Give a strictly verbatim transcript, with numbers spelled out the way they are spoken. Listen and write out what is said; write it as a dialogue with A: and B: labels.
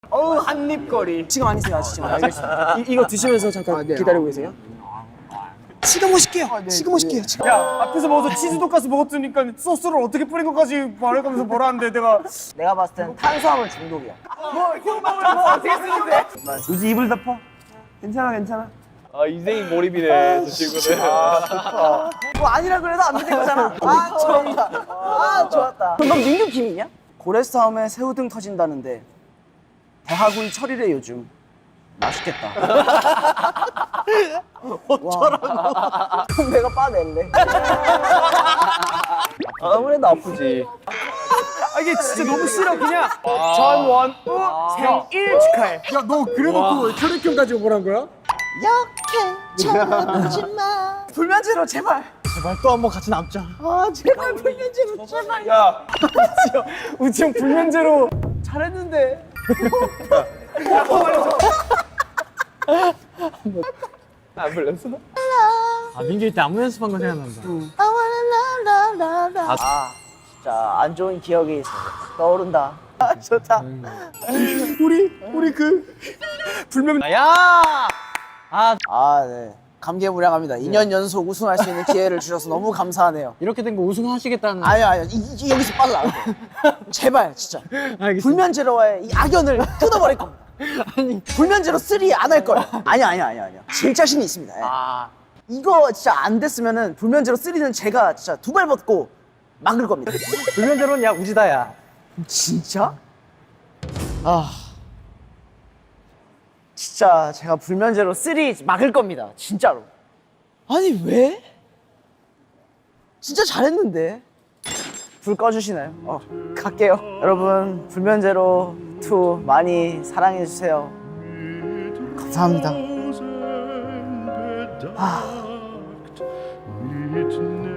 A: 어우 한입거리.
B: 지금 아니세요, 아직 지금. 알겠습니다. 이, 이거 드시면서 잠깐 아, 네. 기다리고 계세요. 지금 오실게요. 아, 네, 지금 오실게요. 지금.
A: 야 앞에서 먹어서 치즈 돈가스 먹었으니까 소스를 어떻게 뿌린 것까지 말해가면서 뭐라 하는데 내가
B: 내가 봤을 땐 탄수화물 중독이야.
A: 뭐 흉방을 뭐 어떻게 쓰는데? 요즘 입을 덮어. 괜찮아 괜찮아.
C: 아 인생이 몰입이네 저 친구는.
B: 뭐 아니라 그래도 안 되는 거잖아. 아 좋았다. 아 좋았다. 그럼 넌 민규 김이냐? 고래싸움에 새우등 터진다는데 대하구이 철이래 요즘. 맛있겠다. 어쩌라고? 그럼 내가 빠낼래.
C: 아무래도 아프지.
A: 아 이게 진짜 너무 싫어 그냥. 전원우 생일 축하해.
D: 야, 너 그래놓고 혈액형 가지고 뭐란 거야?
B: 역해 쳐다보지 마. 불면제로 제발.
D: 제발 또 한 번 같이 남자.
B: 아 제발 불면제로 제발.
A: 야 우지 형 불면제로 잘했는데.
C: 안 불렀어?
D: 아, 민규 때 안무 연습한 거 생각난다.
B: 아 진짜 안 좋은 기억이 떠오른다. 아 좋다.
A: 우리 우리 그 불면
C: 야!
B: 아 네. 감개무량합니다. 이 년 연속 우승할 수 있는 기회를 주셔서 너무 감사하네요.
D: 이렇게 된 거 우승하시겠다는.
B: 아니요 아니요 이, 이, 여기서 빠져나갈 거예요. 제발 진짜
D: 알겠습니다.
B: 불면제로와의 이 악연을 끊어버릴 겁니다.
D: 아니.
B: 불면제로 쓰리 안 할 거예요. 아니야 아니야 아니야 아니야. 질 자신이 있습니다. 예.
D: 아.
B: 이거 진짜 안 됐으면은 불면제로 쓰리는 제가 진짜 두 발 벗고 막을 겁니다.
D: 불면제로는 야 우지다야.
B: 진짜? 아 진짜 제가 불면제로 쓰리 막을 겁니다. 진짜로. 아니 왜? 진짜 잘했는데. 불 꺼주시나요? 어 갈게요. 여러분 불면제로 투 많이 사랑해 주세요. 감사합니다. 아.